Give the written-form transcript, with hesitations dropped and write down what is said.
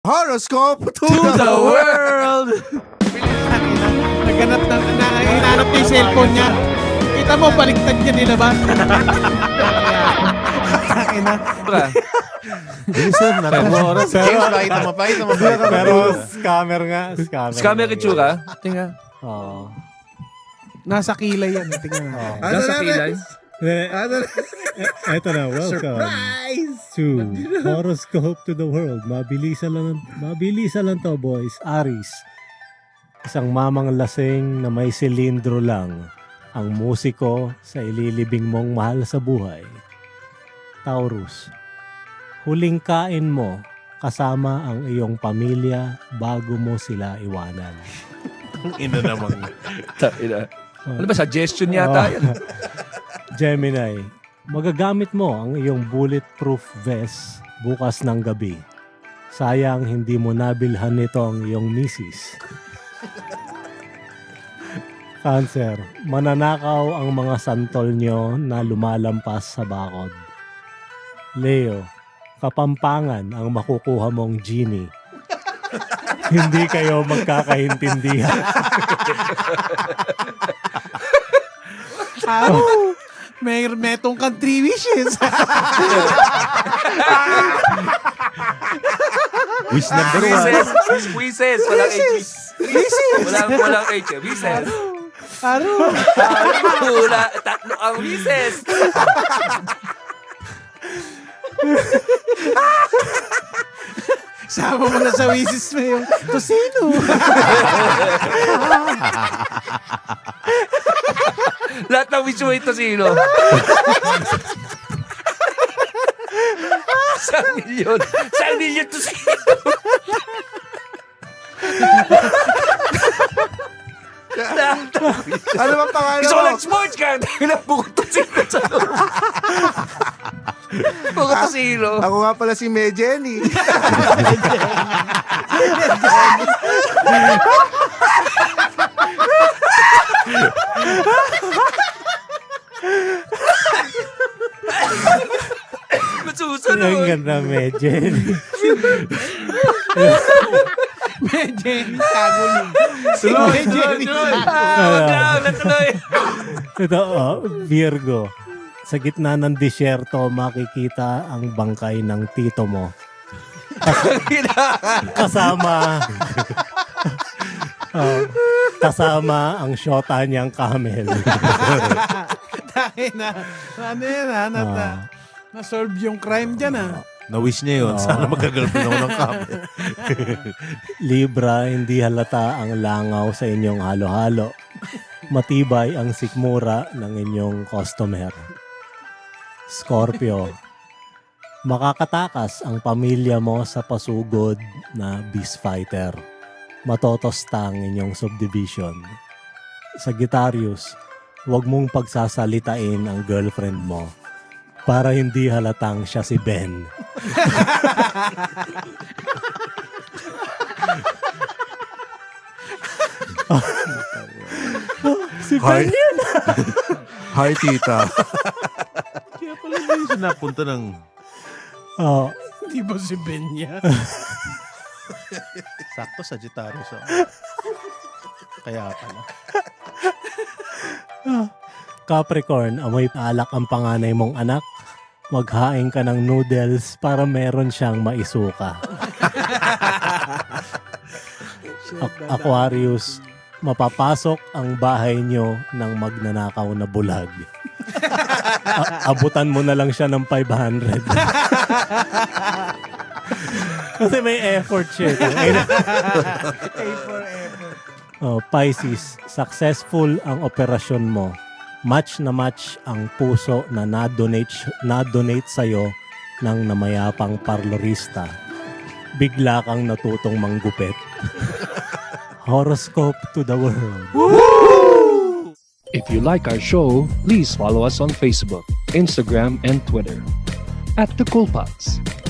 Horoscope to To the world! Naganap na, hinahanap niya yung cellphone niya. Kita mo, baliktad niya nilabas. Ina. Bilisan na rin. Oras. James, pakita mo. Pero scammer nga. Scammer itsura. Tinga. Oo. Nasa kilay yan. Tingnan mo. Nasa kilay. Eto na, welcome to Horoscope to the World. Mabilisan lang to, boys. Aries, isang mamang lasing na may silindro lang ang musiko sa ililibing mong mahal sa buhay. Taurus, huling kain mo kasama ang iyong pamilya bago mo sila iwanan. Ina naman. Ano ba, suggestion yata yan? Gemini, magagamit mo ang iyong bulletproof vest bukas ng gabi. Sayang hindi mo nabilhan nito ang iyong misis. Cancer, mananakaw ang mga santol nyo na lumalampas sa bakod. Leo, kapampangan ang makukuha mong genie. Hindi kayo magkakaintindihan. May metong kang 3 wishes. Wish number Squeezes. Walang H. Walang H. Wishes. Aro. Tatlo ang wishes. Sama mo na sa wishes mo yung tosino. Lahat ng wish mo ito sino? 1,000,000. 1,000,000 to sino? Ano bang pangalan Gusto ko mo? lang sports card. Bukod to sino sa loob. Bukod to sino. Ako nga pala si Jenny. Ang Masusunod. ganda, Medjen. May Jenny Saguling. May Jenny Saguling. Natuloy. Ito, Virgo. Sa gitna ng disyerto, makikita ang bangkay ng tito mo. Kasama kasama ang syota niyang camel. Dahil na, ano yan na-solve yung crime dyan Na-wish niya yun. Sana magka-girlfriend ako ng kami. Libra, hindi halata ang langaw sa inyong halo-halo. Matibay ang sikmura ng inyong customer. Scorpio, makakatakas ang pamilya mo sa pasugod na beast fighter. Matotosta ang inyong subdivision. Sagittarius, huwag mong pagsasalitain ang girlfriend mo para hindi halatang siya si Ben. Si Ben yun! Hi, tita. Kaya pala hindi siya napunta ng... Oh, Di ba si Ben niya? Sakto, Sagittarius. Kaya pala. Capricorn, amoy alak ang panganay mong anak. Maghain ka ng noodles para meron siyang maisuka. Aquarius, mapapasok ang bahay nyo ng magnanakaw na bulag. Abutan mo na lang siya ng 500. Kasi may effort siya. A for effort. Pisces, successful ang operasyon mo. Match na match ang puso na na-donate sa'yo ng namayapang parlorista. Bigla kang natutong manggupit. Horoscope to the world. If you like our show, please follow us on Facebook, Instagram, and Twitter @TheCoolPods.